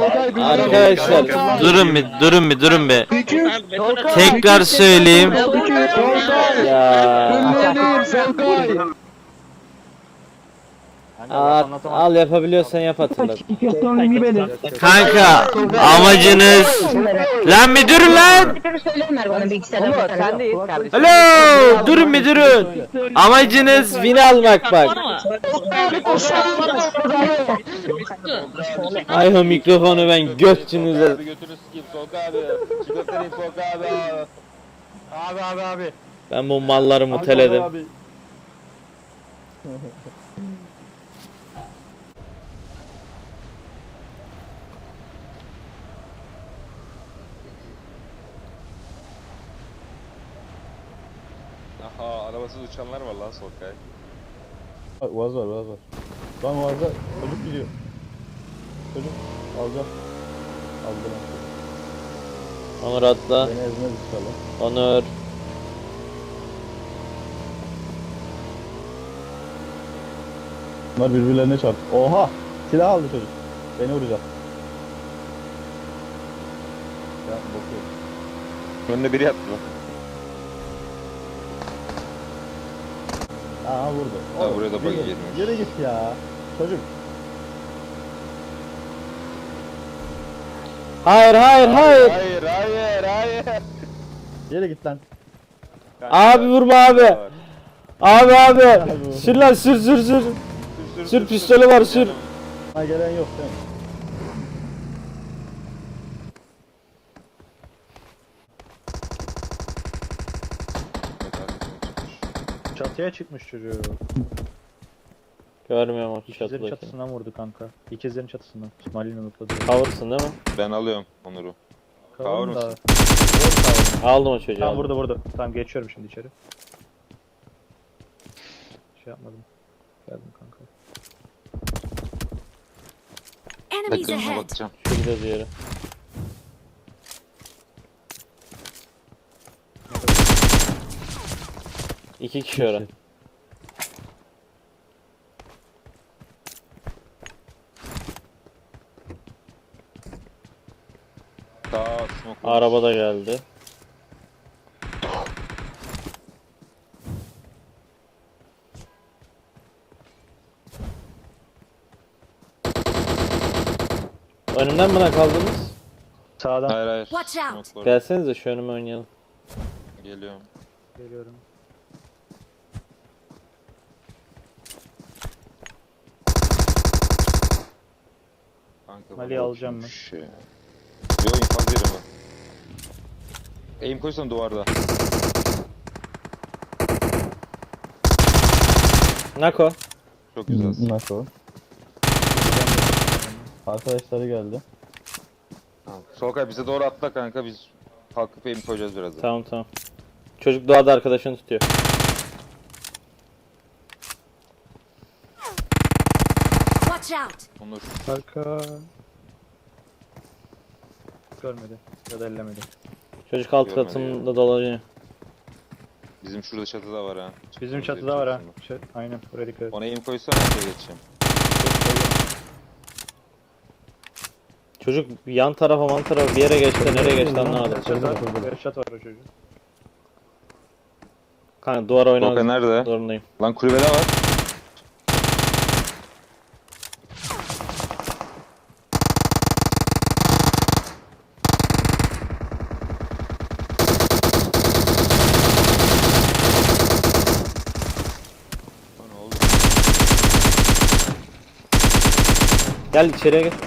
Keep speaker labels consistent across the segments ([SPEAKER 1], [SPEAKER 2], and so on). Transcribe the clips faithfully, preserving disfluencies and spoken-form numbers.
[SPEAKER 1] Arkadaşlar durun bir durun bir durun bir. Tekrar söyleyeyim. Ya. Al, al yapabiliyorsan yap hatırlat. Kanka amacınız lan bir durun lan. Alo durun bir durun. Amacınız win almak bak. Ay o mikrofonu ben götünüze.
[SPEAKER 2] Götünü sikeyim Solka abi. Çıkartayım Solka abi. Abi abi abi.
[SPEAKER 1] Ben bu malları muteledim.
[SPEAKER 2] Aha arabasız uçanlar var lan Solkay.
[SPEAKER 3] Vaz var, vaz var. Lan vazda çocuk gidiyor. Çocuk alacak. Aldı lan.
[SPEAKER 1] Onur atla.
[SPEAKER 3] Beni ezmez inşallah.
[SPEAKER 1] Onur.
[SPEAKER 3] Bunlar birbirlerine çarptı. Oha! Silah aldı çocuk. Beni vuracak. Ya bakıyor.
[SPEAKER 2] Önüne biri yattı lan.
[SPEAKER 3] Aa vurdu.
[SPEAKER 2] Ha,
[SPEAKER 3] Oğlum,
[SPEAKER 2] buraya da bug
[SPEAKER 3] yürü-
[SPEAKER 2] girmiş.
[SPEAKER 3] Yürü git ya. Çocuk.
[SPEAKER 1] Hayır hayır hayır.
[SPEAKER 2] Hayır hayır hayır.
[SPEAKER 3] Yürü git lan.
[SPEAKER 1] Abi vurma abi. Abi abi. Sür lan sür sür sür. Sür pistolü var sür.
[SPEAKER 3] Ha gelen yok değil mi?
[SPEAKER 4] Çatıya çıkmış çocuğu.
[SPEAKER 1] Görmüyorum o
[SPEAKER 4] İkizlerin
[SPEAKER 1] çatıdaki.
[SPEAKER 4] çatısından vurdu kanka. İkizlerin çatısından. İsmail'in unutladı.
[SPEAKER 1] Cover'sın değil mi?
[SPEAKER 2] Ben alıyorum Onur'u.
[SPEAKER 4] Kavur
[SPEAKER 2] mısın?
[SPEAKER 1] Aldım o çocuğu.
[SPEAKER 4] Tamam
[SPEAKER 1] aldım.
[SPEAKER 4] vurdu vurdu. Tamam geçiyorum şimdi içeri. Şey yapmadım. Geldim kanka.
[SPEAKER 5] Enemies
[SPEAKER 2] Yakınına
[SPEAKER 5] ahead.
[SPEAKER 2] bakacağım.
[SPEAKER 1] Şurada diğeri. İki kişi orada.
[SPEAKER 2] Sağ smoke.
[SPEAKER 1] Araba da geldi. Önümden bana kaldınız.
[SPEAKER 4] Sağdan
[SPEAKER 2] Hayır hayır.
[SPEAKER 5] Watch out.
[SPEAKER 2] Smoke var.
[SPEAKER 1] Gelsenize şu önüme oynayalım.
[SPEAKER 2] Geliyorum.
[SPEAKER 4] geliyorum.
[SPEAKER 2] Kanka,
[SPEAKER 4] Mali'yi
[SPEAKER 2] baba
[SPEAKER 4] alacağım ben.
[SPEAKER 2] kimmiş ya? Yo infaz yerim ben. Aim koysan duvarda.
[SPEAKER 1] Nako.
[SPEAKER 2] Çok güzelsin.
[SPEAKER 3] Nasıl? Arkadaşları geldi.
[SPEAKER 2] Tamam. Solkay bize doğru atla kanka, biz kalkıp aim koyacağız birazdan.
[SPEAKER 1] Tamam tamam. Çocuk doğada arkadaşını tutuyor.
[SPEAKER 5] Watch out.
[SPEAKER 2] Onur.
[SPEAKER 4] Arka. Görmedi. Ya da ellemedi.
[SPEAKER 1] Çocuk alt
[SPEAKER 2] Görmedi
[SPEAKER 1] katımda dolanıyor.
[SPEAKER 2] Bizim şurada çatıda var ha.
[SPEAKER 4] Bizim
[SPEAKER 2] Çıktığımız
[SPEAKER 4] çatıda
[SPEAKER 2] yerin
[SPEAKER 4] var ha.
[SPEAKER 2] çatısında.
[SPEAKER 4] Şey, aynen buraya dikkat et.
[SPEAKER 2] Ona aim koysana, oraya geçeceğim.
[SPEAKER 1] Çocuk yan tarafa man tarafa bir yere geçti, nereye geçti anlamadım.
[SPEAKER 4] Headshot var. Headshot var o çocuğun.
[SPEAKER 1] Kanka duvar
[SPEAKER 2] Solkay
[SPEAKER 1] oynamak
[SPEAKER 2] nerede?
[SPEAKER 1] zorundayım.
[SPEAKER 2] Lan kulübede var. Lan ne oldu?
[SPEAKER 1] Gel içeriye gel.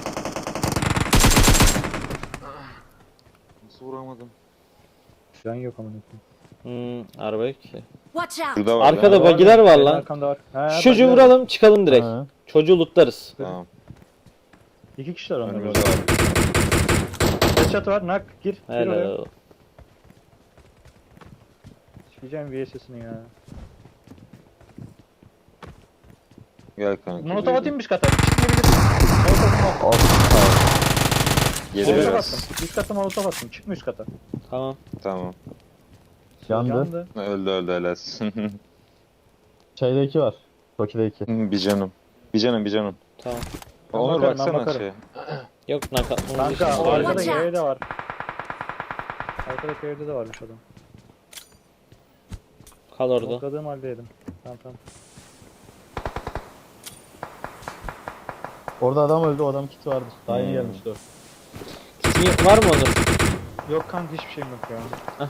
[SPEAKER 2] Nasıl vuramadım?
[SPEAKER 4] Can yok amına koyayım.
[SPEAKER 1] Hmm, araba yok ki.
[SPEAKER 5] Watch out.
[SPEAKER 2] Şurada var.
[SPEAKER 1] Arkada
[SPEAKER 2] ya.
[SPEAKER 1] bagiler var
[SPEAKER 4] Benim
[SPEAKER 1] lan.
[SPEAKER 4] arkamda var. He,
[SPEAKER 1] Şu çocuğu
[SPEAKER 4] bak,
[SPEAKER 1] vuralım çıkalım direkt.
[SPEAKER 3] Ha.
[SPEAKER 1] Çocuğu lootlarız.
[SPEAKER 2] Tamam.
[SPEAKER 4] İki kişiler onlar.
[SPEAKER 2] Önümüzde
[SPEAKER 4] orada.
[SPEAKER 2] var.
[SPEAKER 4] Headshot var. Nak gir. Gir oraya.
[SPEAKER 1] Helal.
[SPEAKER 4] Sikeceğim V S S'ini ya.
[SPEAKER 2] Gel kanka.
[SPEAKER 4] Molotov atayım üst kata. Çıkmayabilirsin. Molotov
[SPEAKER 2] Geri
[SPEAKER 4] Molotov
[SPEAKER 2] biraz.
[SPEAKER 4] attım. Üst kata molotov attım. Çıkma üst kata.
[SPEAKER 1] Tamam.
[SPEAKER 2] Tamam.
[SPEAKER 3] Yandı.
[SPEAKER 2] Öldü öldü helalsin.
[SPEAKER 3] Şeyde iki var. Toki'de iki.
[SPEAKER 2] Bir canım. Bir canım bir canım.
[SPEAKER 1] Tamam.
[SPEAKER 4] Ben
[SPEAKER 2] Onur
[SPEAKER 4] bakarım, ben
[SPEAKER 2] baksana
[SPEAKER 4] bakarım.
[SPEAKER 2] şey.
[SPEAKER 1] Yok nakatımız
[SPEAKER 4] Kanka
[SPEAKER 1] işte.
[SPEAKER 4] arkadaki
[SPEAKER 5] Watch out.
[SPEAKER 4] evde var. Arkadaki evde de varmış adam.
[SPEAKER 1] Kal orada.
[SPEAKER 4] Topladığım haldeydim. Tamam tamam.
[SPEAKER 3] Orada adam öldü, o adam kiti vardır. Daha yeni gelmişti o.
[SPEAKER 1] Kitin var mı Onur?
[SPEAKER 4] Yok kanka hiçbir şeyim yok ya.
[SPEAKER 1] Hah.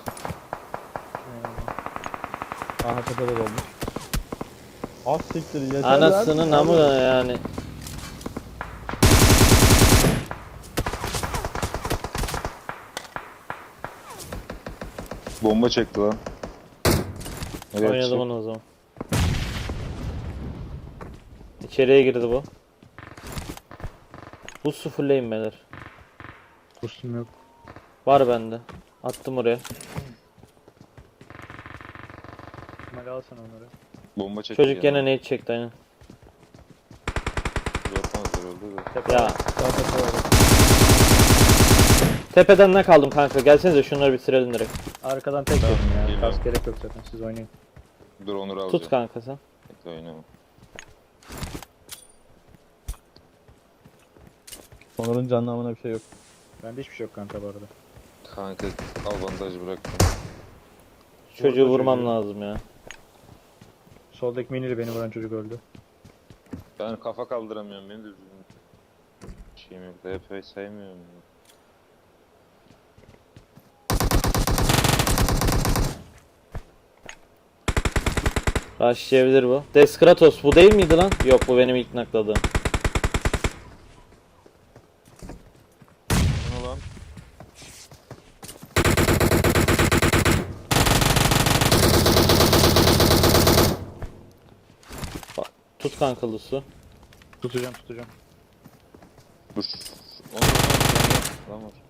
[SPEAKER 3] Aha tepede de olmuş. Az siktir yeter.
[SPEAKER 1] Anasının namı yani.
[SPEAKER 2] Bomba çekti lan. Nereye
[SPEAKER 1] Oynadım
[SPEAKER 2] atacak?
[SPEAKER 1] onu o zaman. İçeriye girdi bu. Bu sıfırlayın beyler.
[SPEAKER 4] Kustum yok.
[SPEAKER 1] Var bende. Attım oraya.
[SPEAKER 4] Hadi al sen onları.
[SPEAKER 2] Bomba çekti.
[SPEAKER 1] Çocuk gene nade çekti aynen.
[SPEAKER 2] Yapmazlar öldü de.
[SPEAKER 1] Ya. Tepeden ne kaldım kanka? Gelsenize şunları bitirelim direkt.
[SPEAKER 4] Arkadan tek
[SPEAKER 2] Tamam,
[SPEAKER 4] yedim ya.
[SPEAKER 2] geliyorum.
[SPEAKER 4] Kas gerek yok zaten, siz oynayın.
[SPEAKER 2] Dur Onur alacağım.
[SPEAKER 1] Tut kanka sen.
[SPEAKER 2] Bekle oynama.
[SPEAKER 3] Onur'un canlı bir şey yok.
[SPEAKER 4] Bende hiçbir şey yok kanka bu arada.
[SPEAKER 2] Kanka al bandajı bıraktım.
[SPEAKER 1] Çocuğu
[SPEAKER 4] Vurdu
[SPEAKER 1] vurmam
[SPEAKER 4] çocuğu.
[SPEAKER 1] lazım ya.
[SPEAKER 4] Soldaki miniyle beni vuran çocuk öldü.
[SPEAKER 2] Ben kafa kaldıramıyorum, benim de üzüldüm. Şeyim yok, D P sevmiyorum. ya.
[SPEAKER 1] Rushlayabilir bu. Deskratos bu değil miydi lan? Yok bu benim ilk nakladığım.
[SPEAKER 2] Ne lan?
[SPEAKER 1] Tut kanka Lusu.
[SPEAKER 4] Tutacağım tutacağım.
[SPEAKER 2] Dur. Onur var. Tamam var.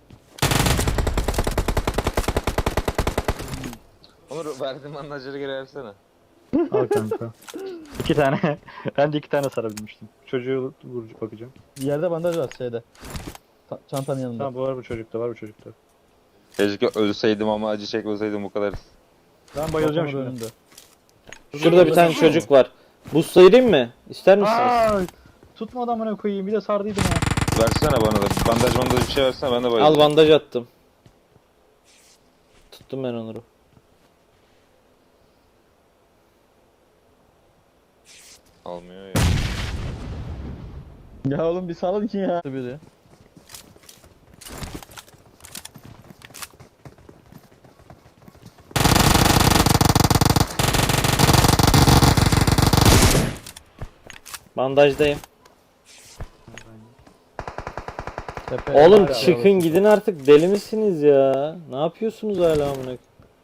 [SPEAKER 2] Onur verdiğim bandajları geri versene.
[SPEAKER 4] Al kanka. İki tane. Ben de iki tane sarabilmiştim. Çocuğu vurucu bakacağım.
[SPEAKER 3] Yerde bandaj var şeyde. Ta- çantanın yanında.
[SPEAKER 4] Tamam bu var bu çocukta var bu çocukta.
[SPEAKER 2] Keşke ölseydim ama acı çekmeseydim bu kadar.
[SPEAKER 4] Ben bayılacağım
[SPEAKER 3] Çantanın
[SPEAKER 4] şimdi.
[SPEAKER 3] önünde.
[SPEAKER 1] Şurada bir tane çocuk var. Buz sayırayım mı? İster misiniz?
[SPEAKER 4] Aa, tutma adamına koyayım, bir de sardıydım ya.
[SPEAKER 2] Versene bana da. Bandaj bandaj bir şey versene, ben de
[SPEAKER 1] Al
[SPEAKER 2] bayılacağım.
[SPEAKER 1] bandaj attım. Tuttum ben Onur'u.
[SPEAKER 2] Almıyor ya.
[SPEAKER 3] Ya oğlum bir salın ki ya. Biri.
[SPEAKER 1] Bandajdayım.
[SPEAKER 3] Tepe.
[SPEAKER 1] Oğlum
[SPEAKER 4] hala
[SPEAKER 1] çıkın gidin artık, deli misiniz ya? Ne yapıyorsunuz hala amına?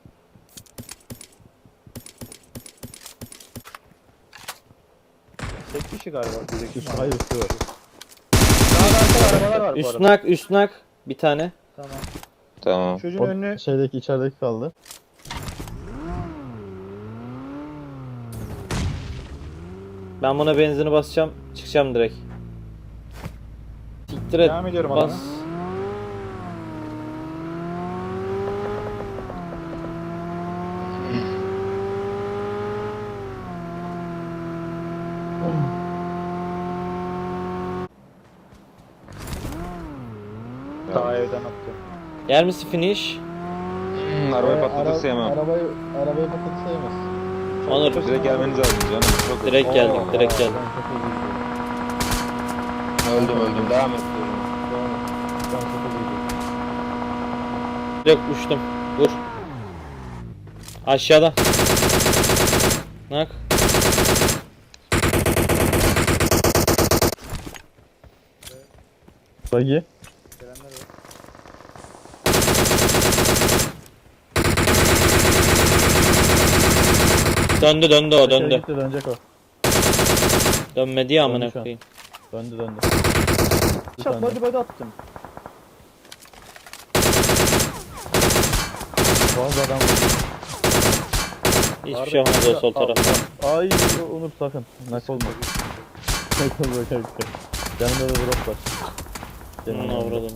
[SPEAKER 4] Tek kişi galiba. Bizdeki
[SPEAKER 3] Üstü hayır üstü var.
[SPEAKER 4] Daha arkada arabalar var bu
[SPEAKER 1] Üst
[SPEAKER 4] arada.
[SPEAKER 1] nak, üst nak. Bir tane.
[SPEAKER 4] Tamam.
[SPEAKER 2] Tamam.
[SPEAKER 4] Çocuğun
[SPEAKER 3] O
[SPEAKER 4] önüne
[SPEAKER 3] şeydeki içerideki kaldı.
[SPEAKER 1] Ben buna benzini basacağım. Çıkacağım direkt. Siktir et.
[SPEAKER 4] devam ediyorum
[SPEAKER 1] Bas.
[SPEAKER 4] adama. Daha evden attı.
[SPEAKER 1] Yer misin finish?
[SPEAKER 2] Hmm, arabayı
[SPEAKER 3] Ee,
[SPEAKER 2] patlatırsa
[SPEAKER 3] ara-
[SPEAKER 2] yemem.
[SPEAKER 3] Arabayı, arabayı patlatırsa yemez.
[SPEAKER 1] Onur.
[SPEAKER 2] Direkt gelmeniz lazım canım. Çok
[SPEAKER 1] Direkt geldik,
[SPEAKER 3] Oo,
[SPEAKER 1] direkt geldik.
[SPEAKER 3] ben çok üzüldüm.
[SPEAKER 2] öldüm öldüm. Devam et.
[SPEAKER 3] Devam et. Ben çok üzüldüm.
[SPEAKER 1] Direkt uçtum. Vur. Aşağıda. Nak.
[SPEAKER 3] Bagi.
[SPEAKER 4] Gelenler var.
[SPEAKER 1] Döndü döndü o döndü.
[SPEAKER 3] Gitti, dönecek o.
[SPEAKER 1] Dönmedi ya amına
[SPEAKER 3] Döndü şu an.
[SPEAKER 1] koyayım.
[SPEAKER 3] Döndü döndü. Bir
[SPEAKER 4] Çat
[SPEAKER 3] tane.
[SPEAKER 4] body body attım.
[SPEAKER 3] Bazı adam.
[SPEAKER 1] Hiçbir şey olmaz o sol tarafta.
[SPEAKER 3] Ay Onur sakın. Nak olma. Nak olma kanka. Yanında da drop var.
[SPEAKER 1] Bunun
[SPEAKER 3] Yanında.
[SPEAKER 1] avradım.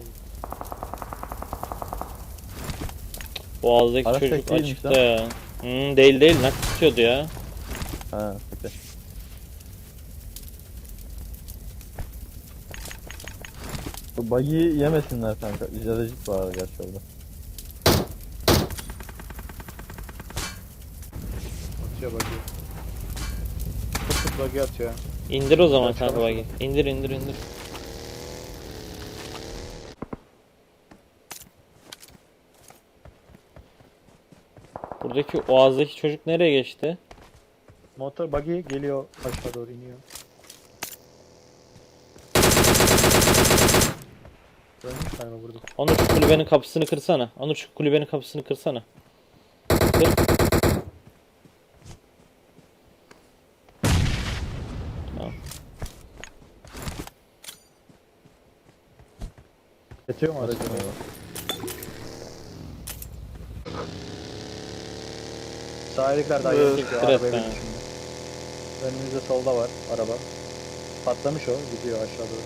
[SPEAKER 1] Boğazdaki
[SPEAKER 3] Araç
[SPEAKER 1] çocuk
[SPEAKER 3] tek değilmiş
[SPEAKER 1] açıkta
[SPEAKER 3] lan.
[SPEAKER 1] ya. Hmm, değil değil nak tutuyordu ya.
[SPEAKER 3] Ha, bekle. Şu buggy'yi yemesinler kanka. İzleyicik var gerçi orada.
[SPEAKER 4] Atıyor bakıyor. Çok çok bagi atıyor.
[SPEAKER 1] İndir o zaman
[SPEAKER 4] Evet,
[SPEAKER 1] kanka
[SPEAKER 4] çalışma.
[SPEAKER 1] bagi. İndir indir indir. Buradaki oazdaki çocuk nereye geçti?
[SPEAKER 4] Motor buggy geliyor aşağı doğru iniyor. Ölmüş galiba burada.
[SPEAKER 1] Onur şu kulübenin kapısını kırsana. Onur şu kulübenin kapısını kırsana. Kır. Tamam.
[SPEAKER 4] Yetiyor mu aracı? Sahillikler daha
[SPEAKER 1] Öf,
[SPEAKER 4] yeni çekiyor.
[SPEAKER 1] evet
[SPEAKER 4] Arabaya
[SPEAKER 1] be.
[SPEAKER 4] binmiş şimdi. Önümüzde solda var araba. Patlamış o. Gidiyor aşağı doğru.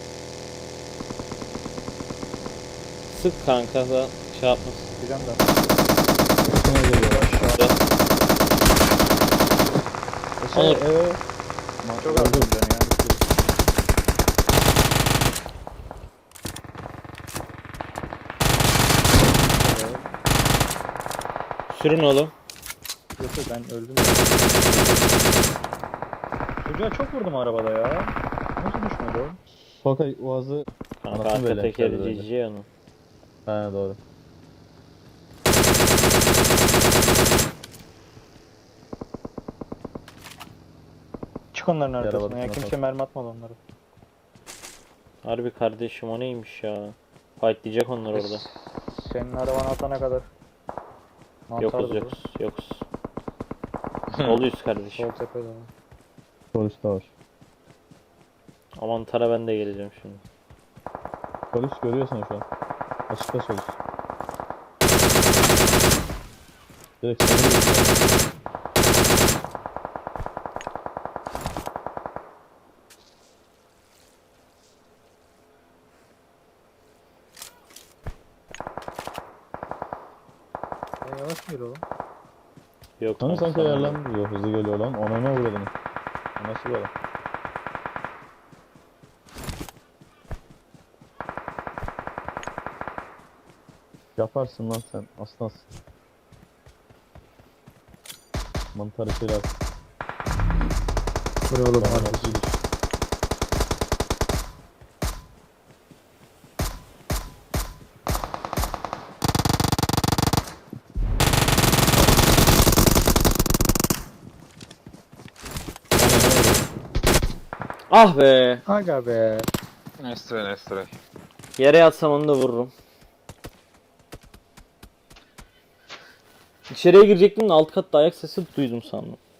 [SPEAKER 1] Sık kanka da şey yapmasın.
[SPEAKER 4] Gideceğim de.
[SPEAKER 3] Sana geliyor.
[SPEAKER 4] Aşağı.
[SPEAKER 3] Şey,
[SPEAKER 1] Onur.
[SPEAKER 3] eve.
[SPEAKER 4] Çok az dönüyor yani.
[SPEAKER 1] Sürün oğlum.
[SPEAKER 4] Yok yok ben öldüm. Çocuğa çok vurdum arabada ya. Nasıl düşmedi o?
[SPEAKER 3] Solkay Uaz'ı
[SPEAKER 1] Kanka
[SPEAKER 3] Anasını
[SPEAKER 1] arka
[SPEAKER 3] böyle
[SPEAKER 1] tekeri
[SPEAKER 3] yapacağız öyle.
[SPEAKER 1] G G onu.
[SPEAKER 3] he doğru.
[SPEAKER 4] Çık onların
[SPEAKER 3] Yara
[SPEAKER 4] arkasına ya.
[SPEAKER 3] batısına
[SPEAKER 4] Kimse
[SPEAKER 3] bak.
[SPEAKER 4] mermi atmadı onlara.
[SPEAKER 1] Harbi kardeşim o neymiş ya. Fightlayacak onlar orada.
[SPEAKER 4] Senin arabanı atana kadar. Mantardı
[SPEAKER 1] Yokuz
[SPEAKER 4] bu.
[SPEAKER 1] yokuz yokuz. Oluyuz kardeşim.
[SPEAKER 4] Sol tepede.
[SPEAKER 3] Polis de var.
[SPEAKER 1] Aman tara ben de geleceğim şimdi.
[SPEAKER 3] Polis görüyorsun şu an. Açıkta polis. Direkt seni görüyorsun.
[SPEAKER 4] E, yavaş mı yürü oğlum?
[SPEAKER 1] Yok
[SPEAKER 3] Hani
[SPEAKER 1] lan,
[SPEAKER 3] sanki
[SPEAKER 1] sana-
[SPEAKER 3] ayarlanmıyor. Hızlı geliyor lan. Ona ne uğradın? O nasıl böyle? Yaparsın lan sen. Aslansın. Mantarı şeyler.
[SPEAKER 4] Bu ne oğlum?
[SPEAKER 3] Bana nasıl gidiş?
[SPEAKER 1] Ah be.
[SPEAKER 4] Aga be.
[SPEAKER 2] Nestre Nestre.
[SPEAKER 1] Yere yatsam onu da vururum. İçeriye girecektim de alt katta ayak sesi duydum sandım.